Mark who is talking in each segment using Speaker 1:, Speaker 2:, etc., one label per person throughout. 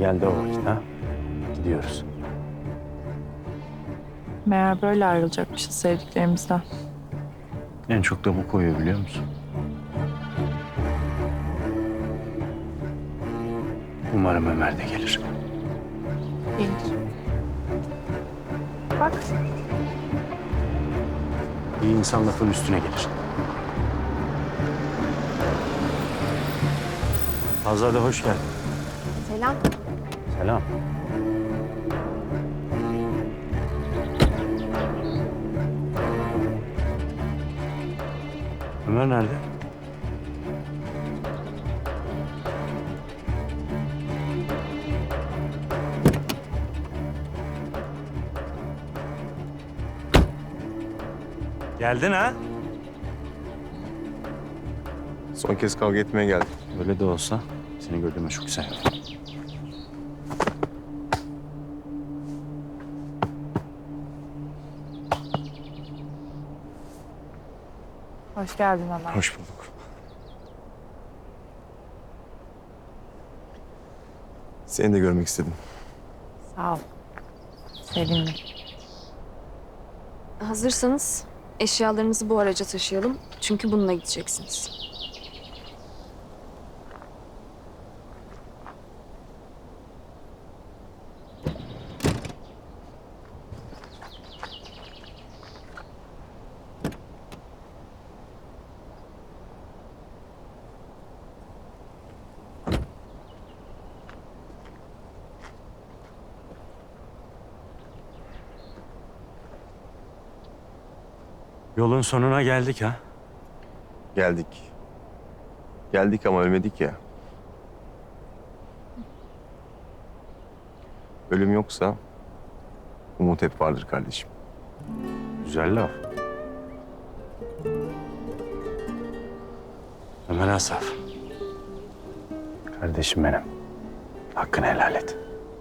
Speaker 1: geldi o vakit ha. Gidiyoruz.
Speaker 2: Meğer böyle ayrılacakmışız sevdiklerimizden.
Speaker 1: En çok da bu koyuyor biliyor musun? Umarım Ömer de gelir.
Speaker 2: Gelir. Bak.
Speaker 1: İyi insan lafın üstüne gelir. Azade hoş geldin.
Speaker 3: Selam.
Speaker 1: Selam. Ömer nerede? Geldin ha?
Speaker 4: Son kez kavga etmeye geldim.
Speaker 1: Öyle de olsa seni gördüğüme çok sevindim.
Speaker 2: Hoş geldin Ömer.
Speaker 4: Hoş bulduk. Seni de görmek istedim.
Speaker 2: Sağ ol. Sevindim.
Speaker 3: Hazırsanız eşyalarınızı bu araca taşıyalım. Çünkü bununla gideceksiniz.
Speaker 1: Yolun sonuna geldik ha.
Speaker 4: Geldik. Geldik ama ölmedik ya. Ölüm yoksa umut hep vardır kardeşim.
Speaker 1: Güzel laf. Ömer Asaf. Kardeşim benim. Hakkını helal et.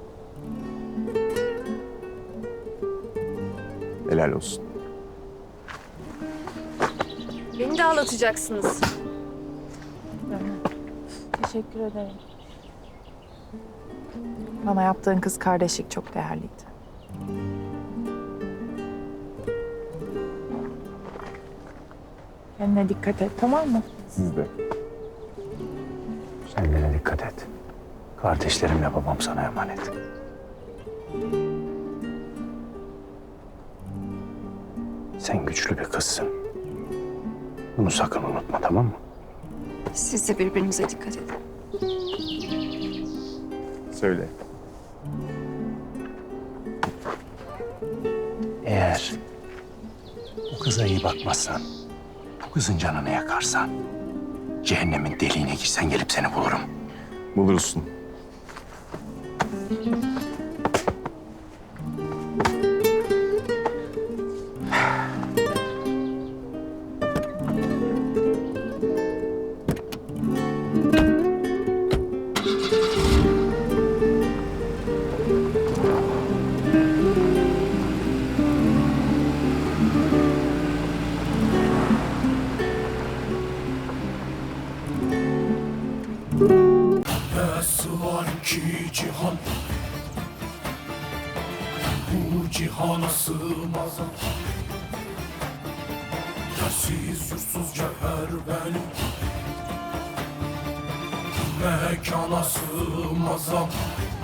Speaker 4: Helal olsun.
Speaker 3: Beni de ağlatacaksınız.
Speaker 2: Teşekkür ederim. Bana yaptığın kız kardeşlik çok değerliydi. Kendine dikkat et, tamam mı?
Speaker 4: Siz de.
Speaker 1: Kendine dikkat et. Kardeşlerimle babam sana emanet. Sen güçlü bir kızsın. Bunu sakın unutma, tamam mı?
Speaker 3: Siz de birbirinize dikkat edin.
Speaker 4: Söyle.
Speaker 1: Eğer bu kıza iyi bakmazsan, bu kızın canını yakarsan, cehennemin deliğine girsen gelip seni bulurum.
Speaker 4: Bulursun.
Speaker 5: Nasıl var ki cihan, bu cihana sığmaz. Yersiz yursuz cevher benim, mekana sığmaz.